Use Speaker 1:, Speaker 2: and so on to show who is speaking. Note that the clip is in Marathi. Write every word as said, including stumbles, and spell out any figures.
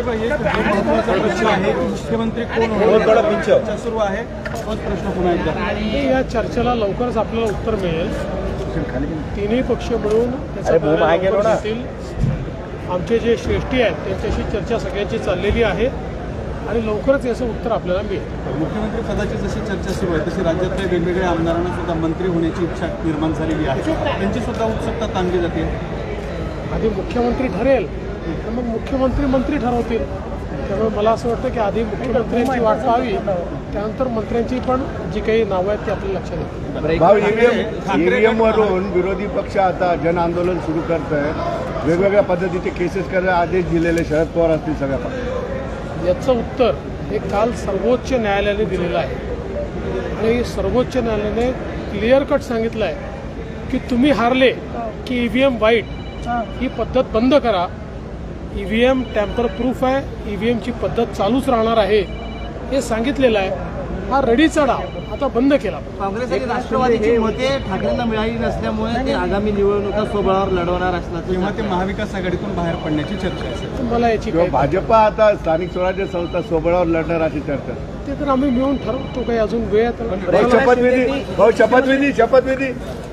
Speaker 1: मुख्यमंत्री कोण चर्चा सुरू आहे तोच प्रश्न पुन्हा एकदा
Speaker 2: या चर्चेला लवकरच आपल्याला उत्तर मिळेल. तिन्ही पक्ष मिळून त्याचा आमचे जे श्रेष्ठी आहेत त्यांच्याशी चर्चा सगळ्यांची चाललेली आहे आणि लवकरच याचं उत्तर आपल्याला मिळेल.
Speaker 1: मुख्यमंत्री पदाची जशी चर्चा सुरू आहे तशी राज्यातल्या वेगवेगळ्या आमदारांना सुद्धा मंत्री होण्याची इच्छा निर्माण झालेली आहे. त्यांची सुद्धा उत्सुकता ताणली जाते.
Speaker 2: आधी मुख्यमंत्री ठरेल तर मग मुख्यमंत्री मंत्री ठरवतील. त्यामुळे मला असं वाटतं की आधी मुख्यमंत्र्यांची वाट पाहावी, त्यानंतर मंत्र्यांची पण जी काही नावं आहेत ती आपल्या लक्षात येतील.
Speaker 3: ईव्हीएम वरून विरोधी पक्ष आता जन आंदोलन सुरू करत आहे. वेगवेगळ्या पद्धतीचे केसेस करायला आदेश दिलेले शरद पवार असतील सगळ्या पक्षात.
Speaker 2: याचं उत्तर हे काल सर्वोच्च न्यायालयाने दिलेलं आहे आणि सर्वोच्च न्यायालयाने क्लिअर कट सांगितलं आहे की तुम्ही हारले की ईव्हीएम वाईट ही पद्धत बंद करा. ईव्हीएम टॅम्पर प्रूफ आहे, ईव्हीएमची पद्धत चालूच राहणार आहे हे सांगितलेलं आहे. हा रडीचा डाव आता बंद केला.
Speaker 4: काँग्रेस आणि राष्ट्रवादीची मते ठाकरेंना मिळाली नसल्यामुळे ते आगामी निवडणुका स्वबळावर लढवणार असल्याचं
Speaker 1: तेव्हा ते महाविकास आघाडीतून बाहेर पडण्याची चर्चा असेल.
Speaker 2: मला याची काही
Speaker 3: भाजपा आता स्थानिक स्वराज्य संस्था स्वबळावर लढणार अशी चर्चा.
Speaker 2: ते तर आम्ही मिळून ठरवतो. काही अजून वेळ आहे तर
Speaker 3: शपथविधी भाऊ शपथविधी शपथविधी